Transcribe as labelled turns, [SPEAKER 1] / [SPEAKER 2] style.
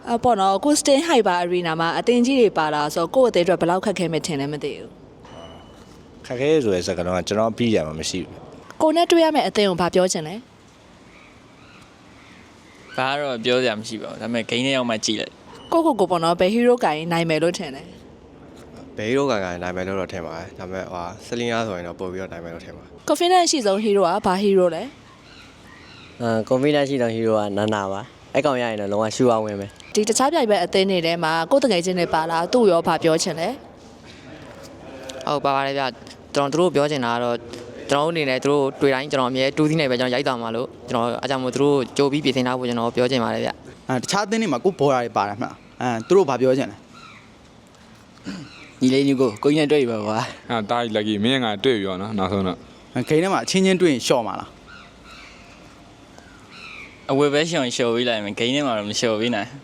[SPEAKER 1] ပေါ့နော်ကို Sting Hyper Arena မှာအတင်းကြီးတွေပါလာဆိုကိုယ့်အသေးအတွက်ဘယ်လောက်ခက်ခဲမယ်ထင်လဲမသိဘူး
[SPEAKER 2] ခက်ခဲဆိုတဲ့စကားတော့ကျွန်တော်ပြီးရမှာမရှိဘူး
[SPEAKER 1] ကိုနဲ့တွေ့ရမယ့်အသင်းကိုဘာပြောချင်လဲ
[SPEAKER 3] ဘာတော့ပြောစရာမရှိပါဘူးဒါပေမဲ့ဂိမ်းထဲရောက်မှကြည့်လိုက်
[SPEAKER 1] ကိုပေါ့နော်ဘယ် hero ကိုင်နိုင်မယ်လို့ထင်လဲ
[SPEAKER 4] ဘယ်ဟီးရိုးကန်နိုင်မယ်လို့တော့ထင်ပါတယ်ဒါပေမဲ့ဟာဆလင်းအားဆိုရင်တော့ပို့ပြီးတော့နိုင်မယ်လို့ထင်ပါတယ်
[SPEAKER 1] confidence ရှိဆုံး hero ကဘာ hero လဲ
[SPEAKER 5] confidence ရှိတဲ့ဟီးရိုးကနာနာပါအဲ့ကောင်ရရင်တော့လုံးဝရှူအောင်ဝင်မယ်
[SPEAKER 1] ဒီတခြားပြိုင်ပွဲအသင်းတွေထဲမှာကိုယ်တငယ်ချင်းတွေပါလာသူ့ရောဘာပြောချင်လဲ
[SPEAKER 6] ဟုတ်ပါပါတယ်ဗျကျွန်တော်တို့ပြောချင်တာကတော့ကျွန်တော်တို့အနေနဲ့တို့တွေ့တိုင်းကျွန်တော်အမြဲတူးသီးနေပဲကျွန်တော်ရိုက်သွားမှာလို့ကျွန်တော်အားကြောင့်မို့တို့ကြိုပြီးပြင်ဆင်ထားဖို့ကျွန်တော်ပြောချင်ပါတယ်ဗျ
[SPEAKER 7] တခြားအသင်းတွေမှာကိုဘော်ရာတွေပါတယ်မှသူတို့ဘာပြောချင်လဲ
[SPEAKER 3] ညီလေးညီကိုကိုကြီးနဲ့တွေ့ပြီပါကွာ
[SPEAKER 8] တားကြီးလက်ကြီးမင်းငါတွေ့ပြီရောနော်နောက်ဆုံးတော့
[SPEAKER 7] ဂိမ်းထဲမှာအချင်းချင်းတွေ့ရင်ရှော့မှာလား
[SPEAKER 3] အဝယ်ပဲရှောင်ရှော်ပေးလိုက်မယ်ဂိမ်းထဲမှာတော့မရှော်ပေးနိုင်